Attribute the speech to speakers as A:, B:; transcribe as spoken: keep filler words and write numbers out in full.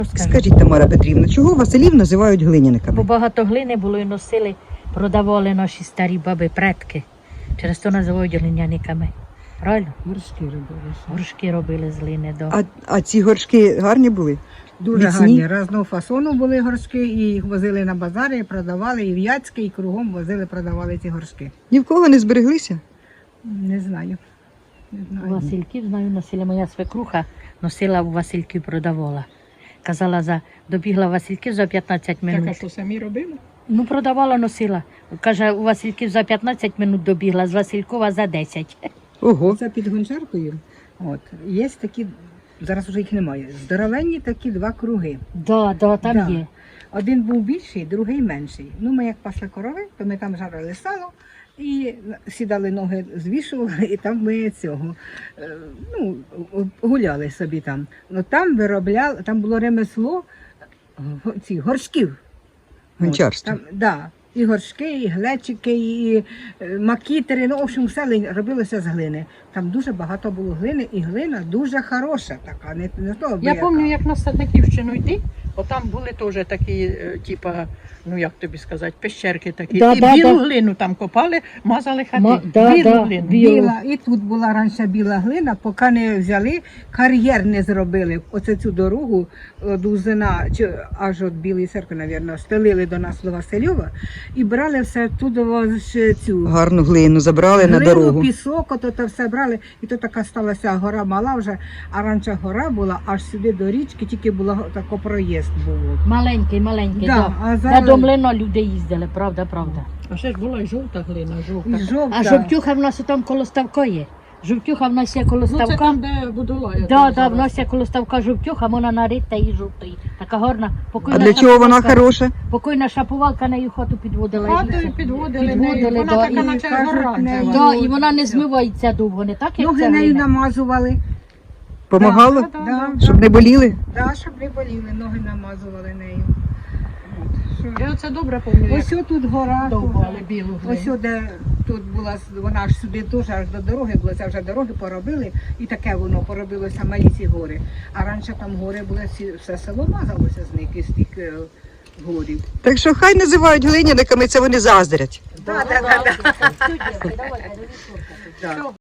A: Скажіть, Тамара Петрівна, чого Василів називають глиняниками?
B: Бо багато глини було і носили, продавали наші старі баби, предки. Через то називають глиняниками. Правильно?
C: Горшки робили.
B: Горшки робили з глини. До.
A: А, а ці горшки гарні були?
C: Дуже
A: Міцні?
C: гарні. Різного фасону були горшки, і їх возили на базари, і продавали, і в Яцьке, і кругом возили, продавали ці горшки.
A: Ні в кого не збереглися?
C: Не знаю. Не
B: У
C: знаю.
B: Васильків, знаю, носила моя свекруха, носила у Васильків, продавала. Казала, за добігла Васильків за п'ятнадцять
D: Так, а
B: минут.
D: що самі робили?
B: Ну, продавала, носила. Каже, у Васильків за п'ятнадцять минут добігла, з Василькова за десять.
A: Ого.
C: Це під Гончаркою. От. Є такі, зараз вже їх немає, здоровенні такі два круги.
B: Да, да, там
C: Да.
B: є.
C: Один був більший, другий менший. Ну, ми як пасли корови, то ми там жарили сало і сідали ноги, звішували, і там ми цього, е, ну, гуляли собі там. Ну, там виробляли, там було ремесло го- цих горшків.
A: Гончарство.
C: От, там, да, і горшки, і глечики, і е, макітери, ну, в общем, все ли- робилося з глини. Там дуже багато було глини, і глина дуже хороша така, не, не того
D: Я
C: біяка.
D: пам'ятаю, як на Садниківщину йти, отам були теж такі, е, типа, ну як тобі сказати, пещерки такі.
B: Да,
D: і
B: да,
D: білу
B: да.
D: глину там копали, мазали хати.
B: Ма- да,
D: білу
B: да,
D: глину.
B: білу.
C: Біла, і тут була раніше біла глина, поки не взяли, кар'єр не зробили. Оце цю дорогу від Узина, чи аж від Білої церкви, мабуть, стелили до нас до Васильова і брали все туди ж цю
A: Гарну глину забрали на
C: глину,
A: дорогу.
C: пісок, ото то все брали. І то така сталася гора мала вже, а раніше гора була аж сюди до річки, тільки була тако проїзд був.
B: Маленький, маленький,
C: Да,
B: да.
C: а
B: На
C: зараз
B: домлено люди їздили, правда, правда.
D: А ще ж була і жовта глина, жовта.
C: і жовта.
B: А жовтюха в нас там коло ставка є. Жовтюха в нас є коло
D: Ну це
B: ставка.
D: там, де будула. я
B: Да,
D: там
B: да,
D: зараз.
B: в нас є коло ставка жовтюха, вона нарита і жовтої. Така гарна.
A: А
B: Покойна
A: для чого вона
B: шапувалка-
A: хороша?
B: Покойна шапувалка нею хату підводила. і
D: Хатою
B: все.
D: підводили,
B: Підводили,
D: нею, вона
B: да,
D: така
B: і
D: наче
C: кажуть,
D: гора.
C: нею-
B: Да, і вона не змивається довго, не так, як
C: Ноги
B: ця
C: нею
B: глина.
C: намазували.
A: Помагало?
D: Да,
C: Да,
A: Щоб не боліли?
C: Да, щоб не боліли, ноги намазували нею. От, що-
D: Я це добре пам'ятаю.
C: Ось тут гора.
D: довбали
C: тут.
D: білу
C: Ось
D: глину.
C: де тут була, вона аж сюди теж аж до дороги була, це вже дороги поробили, і таке воно поробилося малі ці гори. А раніше там гори були, всі- все село мазалося з них, із тих е, горів.
A: Так що хай називають глиняниками, це вони заздрять.
C: Да, да, да, да.
B: Давай,
C: Да.